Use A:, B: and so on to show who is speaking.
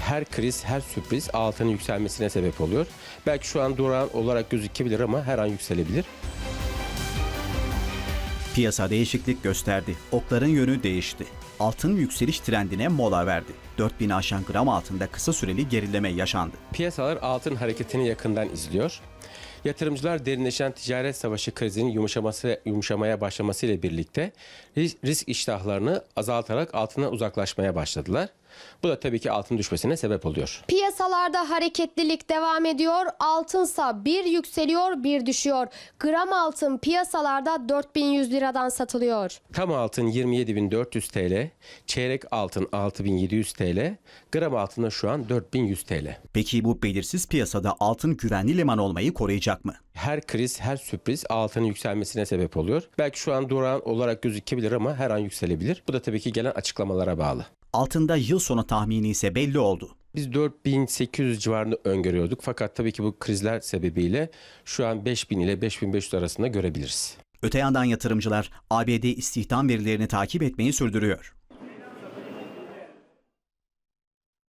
A: Her kriz, her sürpriz altının yükselmesine sebep oluyor. Belki şu an durağan olarak gözükebilir ama her an yükselebilir.
B: Piyasa değişiklik gösterdi. Okların yönü değişti. Altın yükseliş trendine mola verdi. 4000'i aşan gram altında kısa süreli gerileme yaşandı.
A: Piyasalar altın hareketini yakından izliyor. Yatırımcılar derinleşen ticaret savaşı krizinin yumuşamaya başlamasıyla birlikte risk iştahlarını azaltarak altından uzaklaşmaya başladılar. Bu da tabii ki altın düşmesine sebep oluyor.
C: Piyasalarda hareketlilik devam ediyor. Altınsa bir yükseliyor, bir düşüyor. Gram altın piyasalarda 4100 liradan satılıyor.
A: Tam altın 27.400 TL, çeyrek altın 6.700 TL, gram altında şu an 4.100 TL.
B: Peki bu belirsiz piyasada altın güvenli liman olmayı koruyacak mı?
A: Her kriz, her sürpriz altının yükselmesine sebep oluyor. Belki şu an durağan olarak gözükebilir ama her an yükselebilir. Bu da tabii ki gelen açıklamalara bağlı.
B: Altında yıl sonu tahmini ise belli oldu.
A: Biz 4.800 civarında öngörüyorduk. Fakat tabii ki bu krizler sebebiyle şu an 5.000 ile 5.500 arasında görebiliriz.
B: Öte yandan yatırımcılar ABD istihdam verilerini takip etmeyi sürdürüyor.